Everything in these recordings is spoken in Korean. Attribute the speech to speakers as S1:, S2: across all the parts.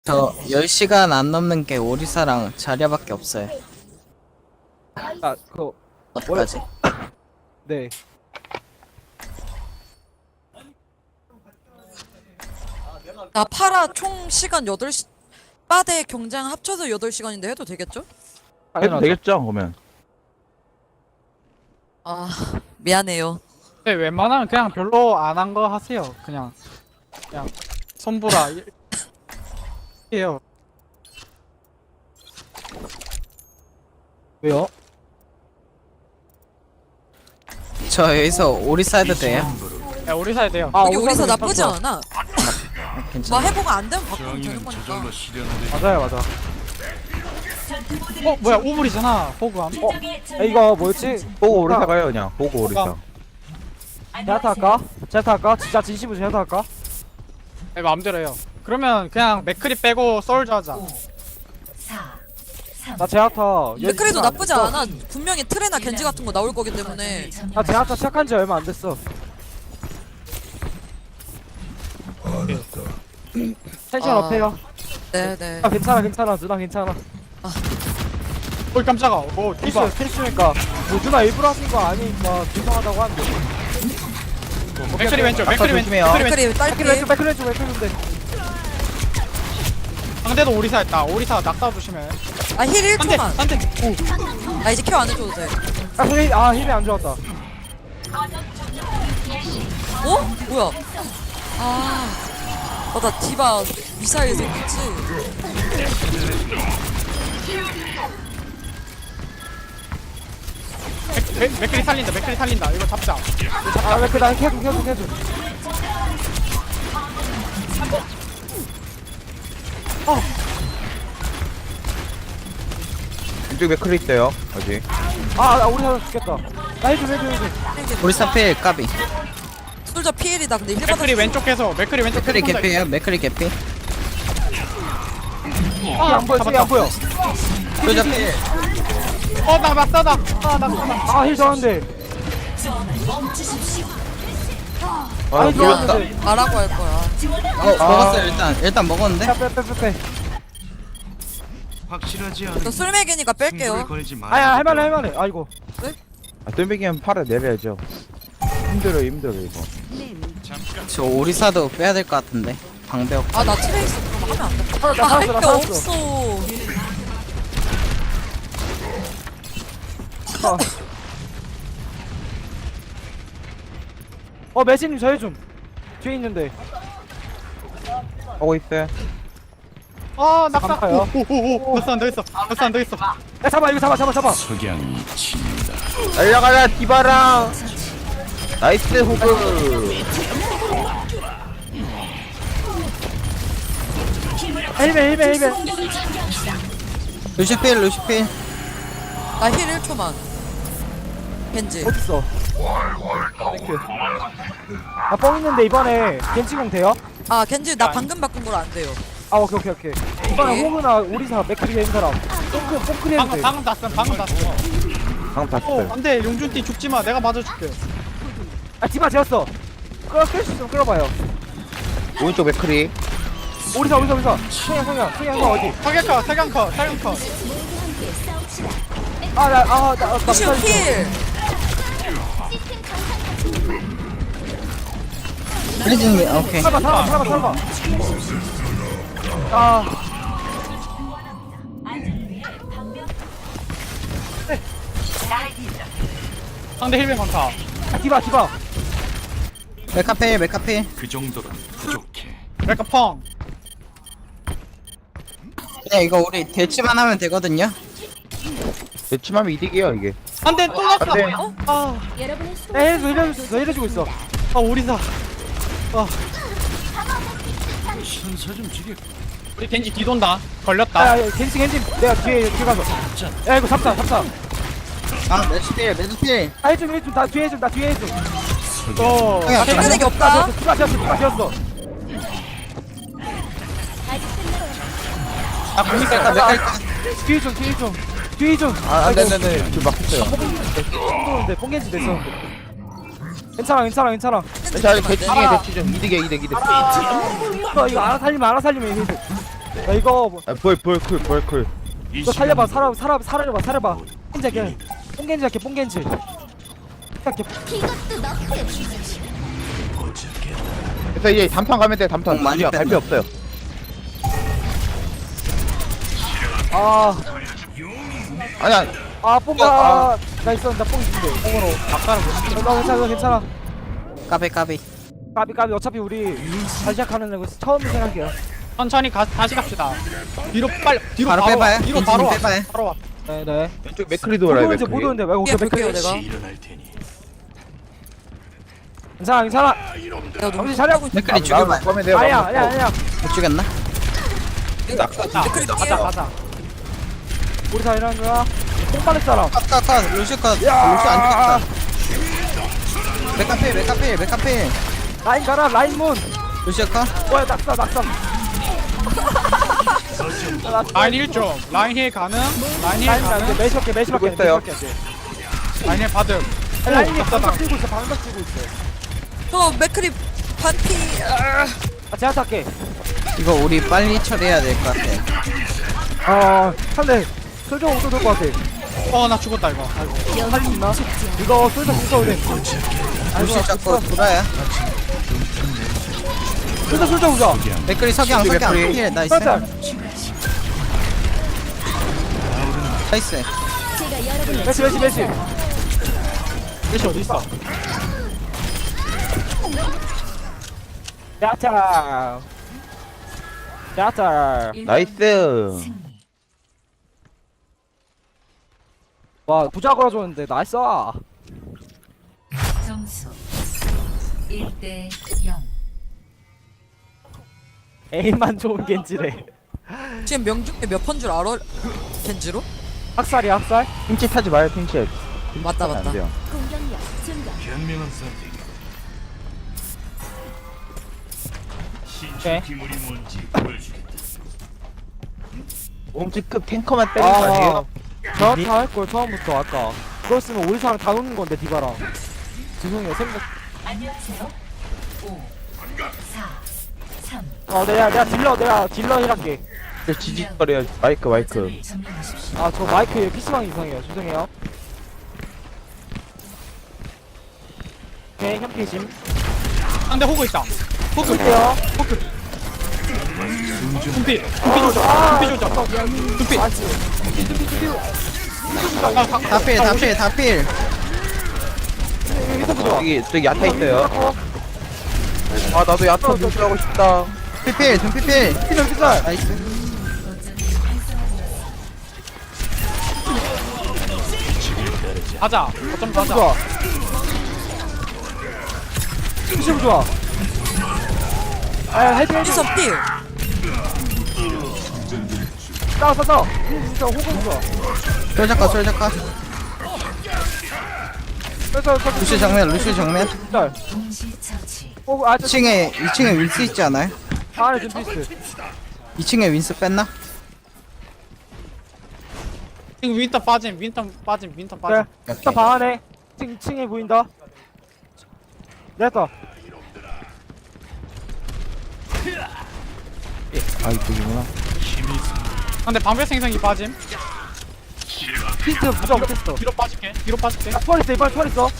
S1: 저 10시간 안 넘는 게 오리사랑 자리아밖에 없어요.
S2: 아, 그거
S1: 어떡하지?
S2: 네.
S3: 나 파라 총 시간 8시 빠데 경장 합쳐서 8시간인데 해도 되겠죠?
S4: 해도 되겠죠 그러면.
S3: 아 미안해요.
S5: 네, 웬만하면 그냥 별로 안 한 거 하세요. 그냥 손보라 해요.
S2: 왜요?
S1: 저 여기서 오리사 해도 돼요?
S5: 야, 우리 사야 돼요.
S2: 아,
S3: 여기 우리사
S2: 오리사
S3: 나쁘지 않아. 뭐
S1: 괜찮아.
S3: 해보가 안 되면 바꾸면 되는 거니까.
S2: 맞아요, 맞아.
S5: 뭐야, 오물이잖아. 호구함.
S2: 이거 뭐였지?
S4: 보고 오리사 가요 그냥. 보고 오리사.
S2: 제아타 할까? 제아타 할까? 진짜 진심으로 제아타 할까?
S5: 네, 마음대로 해요. 그러면 그냥 맥크리 빼고 솔저 하자.
S2: 나 제아타.
S3: 맥크리도 나쁘지 않아. 분명히 트레나 겐지 같은 거 나올 거기 때문에.
S2: 나 제아타 시작한 지 얼마 안 됐어. 텐션
S3: 아.
S2: 업해요.
S3: 네네.
S2: 아, 괜찮아, 괜찮아. 누나 괜찮아.
S5: 어이 깜짝아. 오, 디바.
S2: 필수니까. 뭐 누나 일부러 하신 거 아니니까 죄송하다고 하는데.
S5: 맥크리 왼쪽, 맥크리 왼쪽,
S4: 조심해요.
S5: 맥크리 왼쪽.
S3: 맥크리 딸피.
S2: 백클 왼쪽, 백클 왼쪽.
S5: 상대도 오리사 했다. 오리사 낙사 조심해.
S3: 아 힐
S5: 한 대,
S3: 1초만.
S5: 한 대.
S3: 아 이제 케어 안 해줘도 돼.
S2: 힐이 안 좋았다.
S3: 어? 뭐야? 나 디바 미사일 생겼지?
S5: 맥크리 살린다, 맥크리 살린다. 이거 잡자.
S2: 아, 백클 나 캐줘.
S4: 이쪽 맥크리 있어요 아직.
S2: 우리 사람 죽겠다. 나 해줘.
S1: 오리사 필 까비.
S3: 솔저 피엘이다. 근데 힐
S5: 맥크리
S3: 받아.
S5: 왼쪽에서, 맥크리 왼쪽
S1: 맥크리
S5: 쏜다.
S1: 개피에요? 맥크리 개피.
S2: 안 보여,
S5: 잡았다.
S2: 안 보여.
S1: 솔저 필.
S5: 나 맞다다. 낙사다.
S2: 힐 좋았는데.
S4: 아
S2: 아니,
S4: 놀랐다.
S2: 좋았는데.
S3: 말하고 할 거야.
S1: 먹었어요 일단 먹었는데?
S2: 빼.
S6: 확실하지 않은
S3: 저 술맥이니까 뺄게요.
S6: 승부를 걸지 마.
S2: 아야, 할만해. 아이고.
S4: 똘비기면 팔을 내려야죠. 힘들어 이거.
S1: 저 오리사도 빼야 될 것 같은데. 방벽.
S3: 아 나 트레이스 그럼 하면 안 돼.
S2: 살았다,
S3: 할 게
S2: 살았어.
S3: 없어.
S2: 매진님 저 해줌. 뒤에 있는데.
S4: 하고 있어요.
S5: 낙사.
S2: 감사해요.
S5: 오. 낙사 안 되겠어. 낙사 안 되겠어.
S2: 야, 잡아, 이거 잡아.
S6: 석양이 친다.
S4: 날려가라 디바랑. 나이스 호그.
S2: 헬멧.
S1: 루시 필 루시 필.
S3: 나 힐 1초만. 겐지.
S2: 어딨어? 땡큐. 나뻥 있는데 이번에 겐지공 돼요?
S3: 아 겐지 나 방금 바꾼 거라 안 돼요.
S2: 오케이. 이번에 호그나 오리사 맥크리 있는 사람. 뽕크리 해도 돼.
S5: 방금 땄어.
S4: 방금 다
S5: 오,
S4: 썼어요.
S5: 안돼. 용준띠 죽지 마. 내가 맞아줄게.
S2: 디바 지었어. 끌 수 있으면 끌어봐요.
S4: 오른쪽 맥크리.
S2: 오리사. 성향 어디?
S5: 사격컷.
S2: 나
S3: 루시오 힐.
S1: 블리즈님 오케이.
S2: 살아봐.
S5: 상대 힐맨 많다.
S2: 디바.
S1: 메카필.
S6: 그 정도로 부족해.
S5: 메카 펑.
S1: 그냥 이거 우리 대치만 하면 되거든요.
S4: 대치하면 이득이에요 이게.
S5: 안돼 또 낙사.
S4: 안돼.
S2: 너 해주고 있어.
S5: 오리사.
S6: 선사 좀 주게.
S5: 우리 겐지 뒤돈다. 걸렸다.
S2: 겐지. 내가 뒤에 가서. 야, 이거 잡자.
S1: 아 매주 필.
S2: 해좀. 나 뒤에 해좀.
S5: 또.
S1: 형이야,
S3: 힐맨에게 없다.
S2: 디바 지었어.
S1: 아 공니까 메카니까.
S2: 뒤에 좀.
S4: 안돼안돼 저 막혔어요.
S2: 뽕도는데 뽕겐지 됐어. 괜찮아.
S4: 자 대치 중에 대치 좀 이득이야 이득.
S2: 이거 알아 살리면 야 이거 뭐-
S4: 볼쿨.
S2: 이거 살려봐. 살아봐. 뽕겐지 뽕겐지 할게 뽕겐지. 할게.
S4: 그래서 이제 담탄 가면 돼. 담탄.
S1: 많이
S4: 우리가 갈 필요
S1: 뺐네.
S4: 없어요.
S2: 아,
S4: 아니야.
S2: 뽕가. 나 있었는데 뽕 있는데. 뽕으로.
S5: 아까는 뭐
S2: 나 괜찮아.
S1: 까비.
S2: 까비 어차피 우리 다시 시작하는 거 처음 생각해요.
S5: 천천히 다시 갑시다. 뒤로
S1: 바로
S5: 와.
S1: 빼봐요.
S5: 뒤로 바로 와.
S1: 빼봐요.
S5: 바로 와.
S2: 네네.
S4: 왼쪽 맥크리도 올라요.
S2: 못
S4: 맥크리.
S2: 오는데 왜
S3: 예,
S2: 오케이 맥크리
S3: 볼게요,
S2: 내가.
S6: 일어날 테니.
S2: 괜찮아.
S3: 내가
S2: 정신 차려.
S1: 맥클이 죽여봐.
S4: 꺼면 돼요.
S2: 아니야.
S1: 못 죽였나?
S5: 가자.
S2: 우리 다 일하는 거야. 뽕 빠를 사람.
S1: 컷. 루시 컷. 루시
S2: 야.
S1: 안 죽였다. 메카필.
S2: 라인 가라 라인 문.
S1: 루시 컷.
S2: 뭐야 낙사.
S5: 라인 1점. 라인 힐 가능. 라인 힐
S2: 라인
S5: 가능.
S2: 매시밖에
S4: 들고 있어요.
S5: 라인 힐 받음.
S2: 라인이
S5: 오,
S2: 방박
S5: 답답하다.
S2: 들고 있어.
S3: 저 맥크리 반피.
S2: 제가 탈게.
S1: 이거 우리 빨리 처리해야 될 것 같아.
S2: 상대 솔저 오도 될것 같아.
S5: 나 죽었다 이거. 아이고.
S2: 살리 있나? 이거 솔저 붙어도 돼.
S1: 루시 잡고 돌아야.
S2: 솔저 보자.
S1: 맥클이 석양.
S4: 맥클이.
S1: 힐 나이스.
S2: 살짝.
S1: 나이스.
S2: 매치.
S5: 메시 어디 있어?
S2: 야타.
S4: 나이스.
S2: 와 부자 걸어줬는데 나이스.
S7: 점수 1대 0.
S2: 에임만 좋은 겐지래.
S3: 지금 명중에 몇 번 줄 알아? 겐지로?
S2: 학살이야 학살.
S4: 핑치 타지 마요. 핑치.
S3: 맞다.
S4: 안 돼요.
S6: 현명한 선택.
S2: 오케이.
S6: 기물이 뭔지 보여주겠다.
S4: 몸집급 탱커만 때리는 거 아니에요?
S2: 저다 할걸 처음부터 아까. 그랬으면 오리사랑 다 놓는 건데 디바랑. 죄송해요 생각.
S7: 안녕하세요. 5, 4, 3.
S2: 내가 딜러 힐할게.
S4: 지지거려요. 마이크.
S7: 점을 점령하십시오.
S2: 저 마이크 PC방 이상해요. 죄송해요. 오케이 현피심.
S5: 상대 호그 있다. 호그.
S2: 볼게요.
S5: 둠피 조져. 둠피.
S1: 다필.
S4: 저기 야타 있어요. 아 나도 야타 무시하고 싶다.
S1: 둠피필.
S2: 피살.
S1: 나이스.
S5: 가자. 어쩜 가자.
S2: 좋아. 피심 좋아. 헤드.
S3: 피서 필.
S2: 싸워. 진짜 호흡 좋아.
S1: 솔작가. 루시 정면.
S2: 짤.
S7: 동시 처치.
S2: 호흡
S1: 2층에 윈스 있지 않아요?
S2: 안에 좀 피스.
S1: 2층에 윈스 뺐나?
S5: 지금 윈터 빠짐.
S2: 그래. 일단 방 안에 층에 보인다. 됐다.
S4: 아 이쪽이구나.
S5: 근데 방패 생성이 빠짐.
S2: 피스 부자 못했어.
S5: 뒤로 빠질게.
S2: 투월 있어 이번에 투월 있어.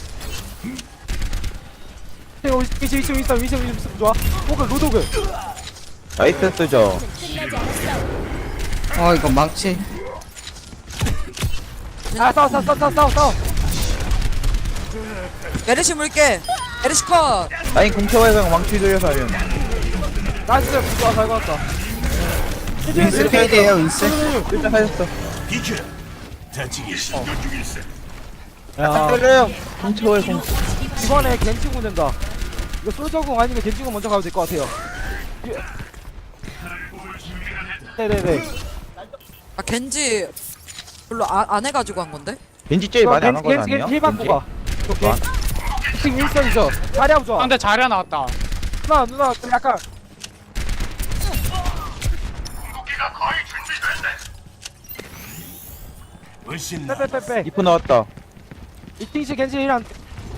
S2: 위치 좋아. 호그 로도그.
S4: 나이스 쓰죠.
S1: 이거 망치.
S2: 싸워.
S3: 메르시 물게. 메르시 컷.
S4: 라인 공채워서 망치 돌려서 하면.
S2: 나이스 부자 잘 걸었다.
S1: 윈스 페이드에요 윈스.
S4: 일단 살렸어.
S6: 비켜. 다치기 신경 중일세.
S2: 야
S4: 때려요. 공채워요 공.
S2: 이번에 겐지군 된다. 이거 솔저궁 아니면 겐지군 먼저 가도 될 것 같아요. 네네네.
S3: 겐지 별로 안 해가지고 한 건데?
S4: 벤지 제일 많이 안 한 건 아니에요?
S2: 겐지 받고 가. 오케이. 지금 일선이죠. 자리하고 좋아.
S5: 상대 자리야 나왔다.
S2: 누나 좀 약간.
S6: 훨씬
S2: 빼.
S4: 이프 나왔다.
S2: 이팅시 겐지랑.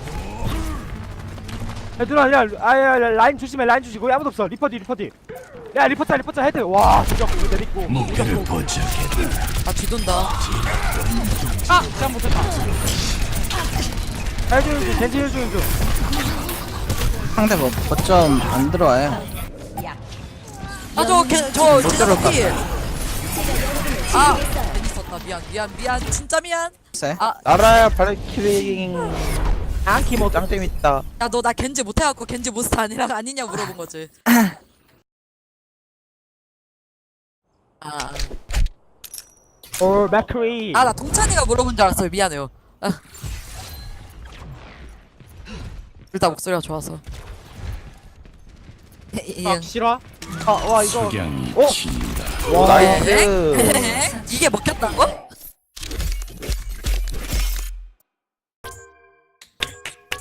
S2: 누나 라인 조심해 라인 주시고 아무도 없어. 리퍼디. 야 리포터 헤드. 와 진짜 그거 내리고.
S6: 목표를 포착했다.
S3: 아 뒤돈다.
S5: 아! 잘못했다.
S2: 해주는 중 겐지 해주는 중.
S1: 상대 뭐 거점 안 들어와요.
S3: 아저
S1: 못 들어올 것
S3: 피. 아 괜히 썼다. 미안 진짜 미안.
S1: 쎄.
S3: 아
S4: 나라야 발키링. 안키 뭐 짱 재밌다.
S3: 야 너 나 겐지 못해갖고 겐지 몬스터 아니냐 물어본 거지.
S2: 맥크리.
S3: 아 나 동찬이가 물어본 줄 알았어요. 미안해요. 둘 다 목소리가 좋아서.
S5: 아, 싫어?
S2: 와 이거.
S6: 석양이
S2: 어?
S6: 친다.
S4: 오 나이스.
S3: 이게 먹혔다고?